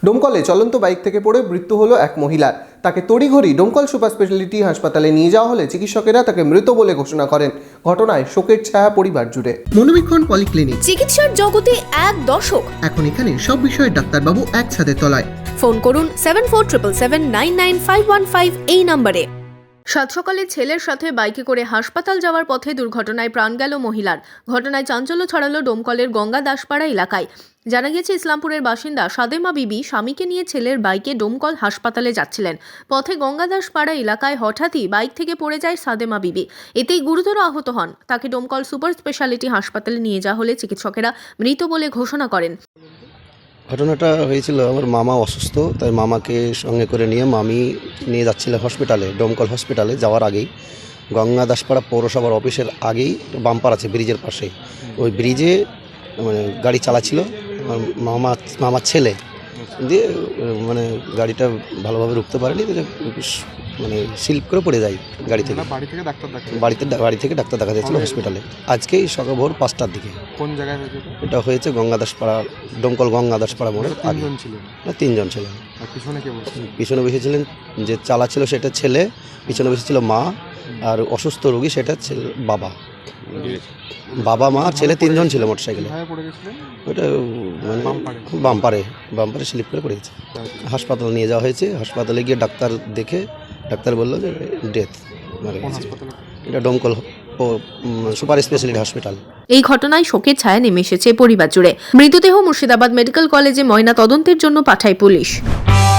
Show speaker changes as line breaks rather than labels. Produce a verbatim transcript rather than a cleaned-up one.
ডোমকলে চলন্ত বাইক থেকে পড়ে মৃত্যু হলো এক মহিলার। তাকে তড়িঘড়ি ডোমকল সুপার স্পেশালিটি হাসপাতালে নিয়ে যাওয়া হলে চিকিৎসকেরা তাকে মৃত বলে ঘোষণা করেন। ঘটনায় শোকের ছায়া পরিবার জুড়ে। মনোবীক্ষণ পলিক্লিনিক,
চিকিৎসার জগতে এক দশক।
এখন এখানে সব বিষয়ে ডাক্তারবাবু এক ছাদের তলায়।
ফোন করুন seven four triple seven nine nine five one five এই নম্বরে। সাত সকালে ছেলের সাথে বাইকে করে হাসপাতাল যাওয়ার পথে দুর্ঘটনায় প্রাণ গেল মহিলার। ঘটনায় চাঞ্চল্য ছড়ালো ডোমকলের গঙ্গা দাসপাড়া এলাকায়। জানা গেছে, ইসলামপুরের বাসিন্দা সাদেমা বিবি স্বামীকে নিয়ে ছেলের বাইকে ডোমকল হাসপাতালে যাচ্ছিলেন। পথে গঙ্গা দাসপাড়া এলাকায় হঠাৎই বাইক থেকে পড়ে যায় সাদেমা বিবি। এতেই গুরুতর আহত হন। তাকে ডোমকল সুপার স্পেশালিটি হাসপাতালে নিয়ে যাওয়া হলে চিকিৎসকেরা মৃত বলে ঘোষণা করেন।
ঘটনাটা হয়েছিল, আমার মামা অসুস্থ, তাই মামাকে সঙ্গে করে নিয়ে মামি নিয়ে যাচ্ছিল হসপিটালে। ডোমকল হসপিটালে যাওয়ার আগেই গঙ্গা দাসপাড়া পৌরসভার অফিসের আগেই বাম্পার আছে ব্রিজের পাশে, ওই ব্রিজে মানে গাড়ি চালাচ্ছিল আমার মামা মামার ছেলে, দিয়ে মানে গাড়িটা ভালোভাবে রুখতে পারেনি, মানে স্লিপ করে পড়ে যায় গাড়ি থেকে।
বাড়ি থেকে ডাক্তার দেখাতে
বাড়িতে বাড়ি থেকে ডাক্তার দেখা যাচ্ছিল হসপিটালে। আজকেই সকাল ভোর পাঁচটার দিকে।
কোন জায়গায় হয়েছে
এটা হয়েছে গঙ্গা দাসপাড়া, ডোমকল গঙ্গা দাসপাড়া মোড়ে।
তিনজন ছিলেন?
না, তিনজন ছিলেন।
আর পিছনে কে বসে?
পিছনে বসেছিলেন যে চালাচ্ছিল সেটা ছেলে, পিছনে বসেছিল মা, আর অসুস্থ রোগী সেটা ছেলে বাবা। বাবা মা ছেলে তিনজন ছিল মোটরসাইকেলে। ওইটা মানে বাম্পারে বাম্পারে স্লিপ করে পড়ে গেছে। হাসপাতালে নিয়ে যাওয়া হয়েছে। হাসপাতালে গিয়ে ডাক্তার দেখে ডাক্তার বললো যে ডেথ মারা গেছে। এটা ডোমকল সুপার স্পেশালিটি হসপিটাল।
এই ঘটনায় শোকের ছায়া নেমে এসেছে পরিবার জুড়ে। মৃতদেহ মুর্শিদাবাদ মেডিকেল কলেজে ময়না তদন্তের জন্য পাঠায় পুলিশ।